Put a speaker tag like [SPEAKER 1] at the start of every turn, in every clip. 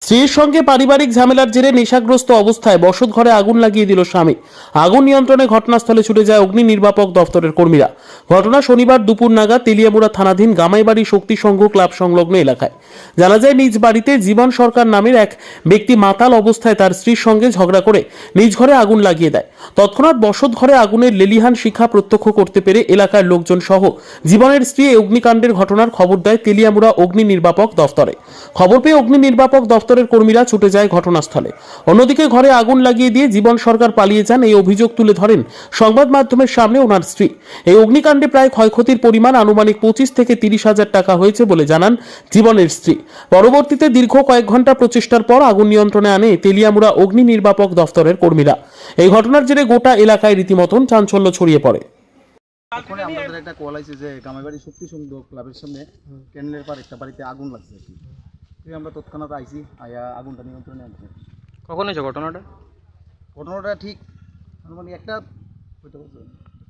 [SPEAKER 1] স্ত্রীর সঙ্গে পারিবারিক ঝামেলার জেরে নেশাগ্রস্ত অবস্থায় বসত ঘরে আগুন লাগিয়ে দিল স্বামী। আগুন নিয়ন্ত্রণে ঘটনাস্থলে ছুটে যায় অগ্নি নির্বাপক দফতরের কর্মীরা। ঘটনা শনিবার দুপুর নাগাদ তেলিয়ামুড়া থানাধীন গামাইবাড়ি শক্তি সংঘ ক্লাব সংলগ্ন এলাকায়। জানা যায়, নিজ বাড়িতে জীবন সরকার নামের এক ব্যক্তি মাতাল অবস্থায় তার স্ত্রীর সঙ্গে ঝগড়া করে নিজ ঘরে আগুন লাগিয়ে দেয়। তৎক্ষণাৎ বসত ঘরে আগুনের লেলিহান শিখা প্রত্যক্ষ করতে পেরে এলাকার লোকজন সহ জীবনের স্ত্রী এই অগ্নিকাণ্ডের ঘটনার খবর দেয় তেলিয়ামুড়া অগ্নি নির্বাপক দফতরে। খবর পেয়ে অগ্নি নির্বাপক দফতরের কর্মীরা ছুটে যায় ঘটনাস্থলে। অন্যদিকে ঘরে আগুন লাগিয়ে দিয়ে জীবন সরকার পালিয়ে যান, এই অভিযোগ তুলে ধরেন সংবাদ মাধ্যমের সামনে ওনার স্ত্রী। এই অগ্নিকাণ্ডে প্রায় ক্ষয়ক্ষতির পরিমাণ আনুমানিক 25 থেকে 30,000 টাকা হয়েছে বলে জানান জীবনের স্ত্রী। পরবর্তীতে দীর্ঘ কয়েক ঘন্টা প্রচেষ্টার পর আগুন নিয়ন্ত্রণে আনে তেলিয়ামুড়া অগ্নি নির্বাপক দফতরের কর্মীরা। এই ঘটনার জেরে গোটা এলাকায় রীতিমতন চাঞ্চল্য ছড়িয়ে পড়ে।
[SPEAKER 2] ওখানে আমাদের একটা কল আছে যে গামাইবাড়ি শক্তি সংঘ ক্লাবের সামনে ক্যানেলের পার একটা বাড়িতে আগুন লাগছে আর কি। তুই আমরা তৎক্ষণাৎ আইছি, আয়া আগুনটা নিয়ন্ত্রণে আনছি।
[SPEAKER 3] কখন হয়েছে ঘটনাটা?
[SPEAKER 2] ঘটনাটা ঠিক মানে একটা হইতে পারছে।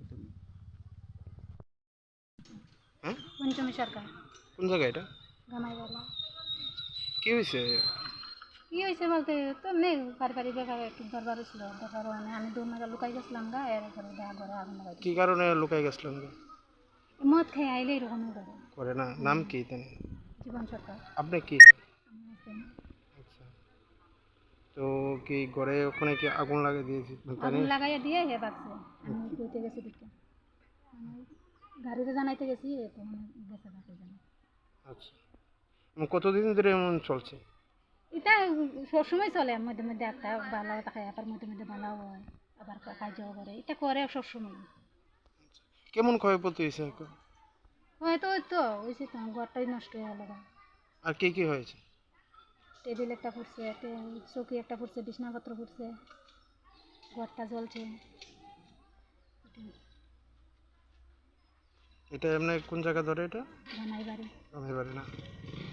[SPEAKER 4] পঞ্চমী সরকার
[SPEAKER 3] কোন জায়গায় এটা?
[SPEAKER 4] গামাইবালা।
[SPEAKER 3] কি হয়েছে?
[SPEAKER 4] কি হয়েছে বলতে তো নেই, পারিবারিক ব্যাপারে একটু দরবার ছিল, দরবার মানে আমি দূর নাগা লুকাই গেছিলাম গা, এর ঘরে ঘরে আগুন লাগাই
[SPEAKER 3] কি কারণে লুকাই গেছিলেন?
[SPEAKER 4] মদ খেয়ে আইলে এরকমই করে।
[SPEAKER 3] করে না, নাম কি জানেন?
[SPEAKER 4] জীবন সরকার।
[SPEAKER 3] আপনি কি?
[SPEAKER 4] আমার husband।
[SPEAKER 3] আচ্ছা, তো কি ঘরে ওখানে কি আগুন লাগিয়ে দিয়েছি?
[SPEAKER 4] আগুন লাগাইয়া দিয়ে হে বাগছে। আমি কইতে গেছি দেখতে, আমি গাড়িতে জানাইতে গেছি, তো মানে গেছে বাকি জানা।
[SPEAKER 3] আচ্ছা, কতদিন ধরে এমন চলছে?
[SPEAKER 4] এটা সবসময় চলে, মধ্যে মধ্যে একটা বালাও থাকে, আবার মধ্যে মধ্যে বালাও হয়, আবার কাজও করে, এটা করে সবসময়।
[SPEAKER 3] কেমন ক্ষয়ক্ষতি হয়েছে এখন?
[SPEAKER 4] হয়তো ওই তো হয়েছে তো, ঘরটাই নষ্ট হয়ে গেল।
[SPEAKER 3] আর কি কি হয়েছে?
[SPEAKER 4] টেবিল একটা ফুটছে, চৌকি একটা ফুটছে, বিছনাপত্র ফুটছে, ঘরটা জ্বলছে।
[SPEAKER 3] এটা এমনি কোন জায়গা ধরে? এটা
[SPEAKER 4] জানাই বাড়ি।
[SPEAKER 3] আমি বাড়ি না।